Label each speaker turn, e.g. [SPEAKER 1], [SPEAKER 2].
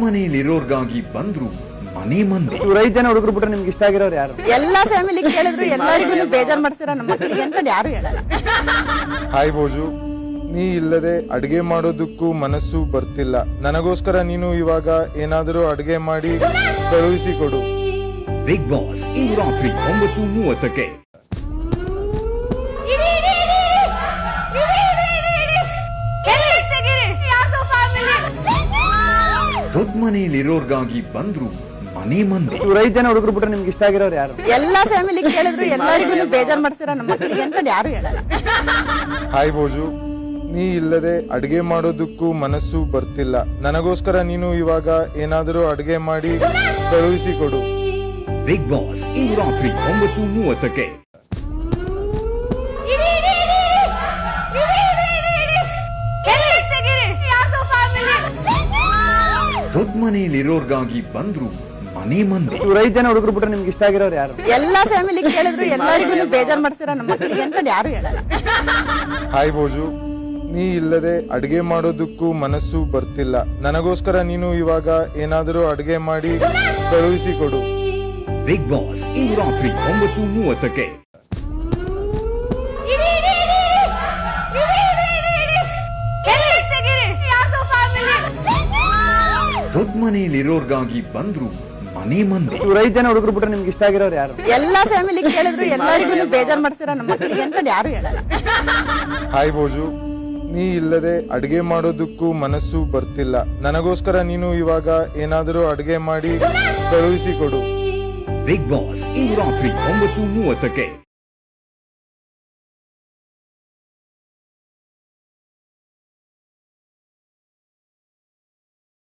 [SPEAKER 1] ಮನೆಯಲ್ಲಿರೋರ್ಗಾಗಿ ಬಂದ್ರು ಮನೆ ಮಂದಿ.
[SPEAKER 2] 5 ಜನ ಹುಡುಗರು ಬಿಟ್ರೆ ನಿಮ್ಗೆ ಇಷ್ಟ ಆಗಿರೋರು ಯಾರು?
[SPEAKER 3] ಎಲ್ಲಾ ಫ್ಯಾಮಿಲಿ ಕೇಳಿದ್ರು ಎಲ್ಲರಿಗೂ ಬೇಜಾರ್ ಮಾಡ್ಸಿರ ನಮ್ಮ ಮಕ್ಕಳಿಗೆ ಅಂತ ಯಾರು ಹೇಳಲ್ಲ.
[SPEAKER 4] ಹಾಯ್ ಭೋಜು, ನೀ ಇಲ್ಲದೆ ಅಡ್ಗೆ ಮಾಡೋದಕ್ಕೂ ಮನಸ್ಸು ಬರ್ತಿಲ್ಲ. ನನಗೋಸ್ಕರ ನೀನು ಇವಾಗ ಏನಾದರೂ ಅಡ್ಗೆ ಮಾಡಿ ಕಳುಹಿಸಿ ಕೊಡು.
[SPEAKER 1] ಬಿಗ್ ಬಾಸ್ ಇಂದು ರಾತ್ರಿ 9:30ಕ್ಕೆ. ದೊಡ್ಡ ಮನೆಯಲ್ಲಿರೋರ್ಗಾಗಿ ಬಂದ್ರು ಮನೆ ಮಂದಿ.
[SPEAKER 2] 5 ಜನ ಹುಡುಗರು ಬಿಟ್ರೆ ನಿಮ್ಗೆ ಇಷ್ಟ ಆಗಿರೋರು ಯಾರು?
[SPEAKER 3] ಎಲ್ಲಾ ಫ್ಯಾಮಿಲಿ ಕೇಳಿದ್ರು ಎಲ್ಲರಿಗೂ ಬೇಜಾರ್ ಮಾಡ್ಸಿರ ನಮ್ಮ ಮಕ್ಕಳಿಗೆ ಅಂತ ಯಾರು ಹೇಳಲ್ಲ.
[SPEAKER 4] ಹಾಯ್ ಭೋಜು, ನೀ ಇಲ್ಲದೆ ಅಡ್ಗೆ ಮಾಡೋದಕ್ಕೂ ಮನಸ್ಸು ಬರ್ತಿಲ್ಲ. ನನಗೋಸ್ಕರ ನೀನು ಇವಾಗ ಏನಾದರೂ ಅಡ್ಗೆ ಮಾಡಿ ಕಳುಹಿಸಿ ಕೊಡು.
[SPEAKER 1] ಬಿಗ್ ಬಾಸ್ ಇಂದು ರಾತ್ರಿ 9:30ಕ್ಕೆ. ದೊಡ್ಡ ಮನೆಯಲ್ಲಿರೋರ್ಗಾಗಿ ಬಂದ್ರು ಮನೆ ಮಂದಿ.
[SPEAKER 2] 5 ಜನ ಹುಡುಗರು ಬಿಟ್ರೆ ನಿಮ್ಗೆ ಇಷ್ಟ ಆಗಿರೋರು ಯಾರು?
[SPEAKER 3] ಎಲ್ಲಾ ಫ್ಯಾಮಿಲಿ ಕೇಳಿದ್ರು ಎಲ್ಲರಿಗೂ ಬೇಜಾರ್ ಮಾಡ್ಸಿರ ನಮ್ಮ ಮಕ್ಕಳಿಗೆ ಅಂತ ಯಾರು ಹೇಳಲ್ಲ.
[SPEAKER 4] ಹಾಯ್ ಭೋಜು, ನೀ ಇಲ್ಲದೆ ಅಡ್ಗೆ ಮಾಡೋದಕ್ಕೂ ಮನಸ್ಸು ಬರ್ತಿಲ್ಲ. ನನಗೋಸ್ಕರ ನೀನು ಇವಾಗ ಏನಾದರೂ ಅಡ್ಗೆ ಮಾಡಿ ಕಳುಹಿಸಿ ಕೊಡು.
[SPEAKER 1] ಬಿಗ್ ಬಾಸ್ ಇಂದು ರಾತ್ರಿ 9:30ಕ್ಕೆ. ದೊಡ್ಡ ಮನೆಯಲ್ಲಿರೋರ್ಗಾಗಿ ಬಂದ್ರು ಮನೆ ಮಂದಿ.
[SPEAKER 2] 5 ಜನ ಹುಡುಗರು ಬಿಟ್ರೆ ನಿಮ್ಗೆ ಇಷ್ಟ ಆಗಿರೋರು ಯಾರು?
[SPEAKER 3] ಎಲ್ಲಾ ಫ್ಯಾಮಿಲಿ ಕೇಳಿದ್ರು ಎಲ್ಲರಿಗೂ ಬೇಜಾರ್ ಮಾಡ್ಸಿರ ನಮ್ಮ ಮಕ್ಕಳಿಗೆ ಅಂತ ಯಾರು ಹೇಳಲ್ಲ.
[SPEAKER 4] ಹಾಯ್ ಭೋಜು, ನೀ ಇಲ್ಲದೆ ಅಡ್ಗೆ ಮಾಡೋದಕ್ಕೂ ಮನಸ್ಸು ಬರ್ತಿಲ್ಲ. ನನಗೋಸ್ಕರ ನೀನು ಇವಾಗ ಏನಾದರೂ ಅಡ್ಗೆ ಮಾಡಿ ಕಳುಹಿಸಿ ಕೊಡು.
[SPEAKER 1] ಬಿಗ್ ಬಾಸ್ ಇಂದು ರಾತ್ರಿ 9:30ಕ್ಕೆ.